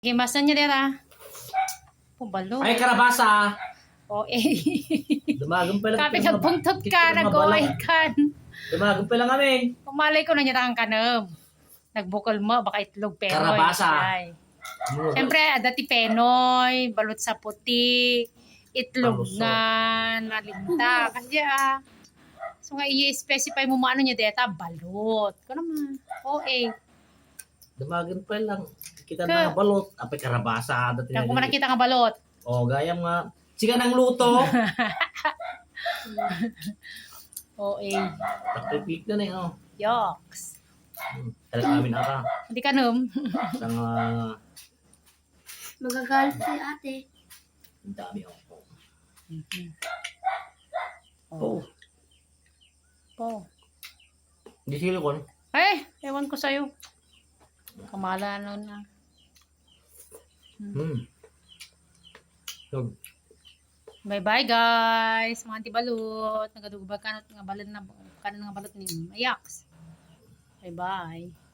Gimasan niya dera. Pubalo. Ay, karabasa. O eh. Dumagan pa lang. Kapi nagpuntot ka, nag-oay kan. Dumagan pa lang kami. Pumalay ko na niya ang kanam. Nagbukol mo, baka itlog penoy. Karabasa. Ay. Siyempre, dati penoy, balot sa puti, itlog Palusot. nga, nalinta. Kasi so nga i-specify mo maano niya deta, balot. Ko naman. O eh. Dumagan pa lang. Kita na balot. Apay karabasa. Kaya kung nakita nga balot. O, gaya nga. Sige ng luto. O eh. Takipik na eh. Oh. Yoks. Talaga amin ata. Hindi ka num. Isang Magagalit si ate. ang dami ako. Oh. Oh. Po. Hindi silikon. Eh, ewan ko sa'yo. Kamala na. So, Bye-bye guys. Mga antibalot. Nagadugubag kanot nga balot na kanan nga balot ni Ayaks. Bye-bye.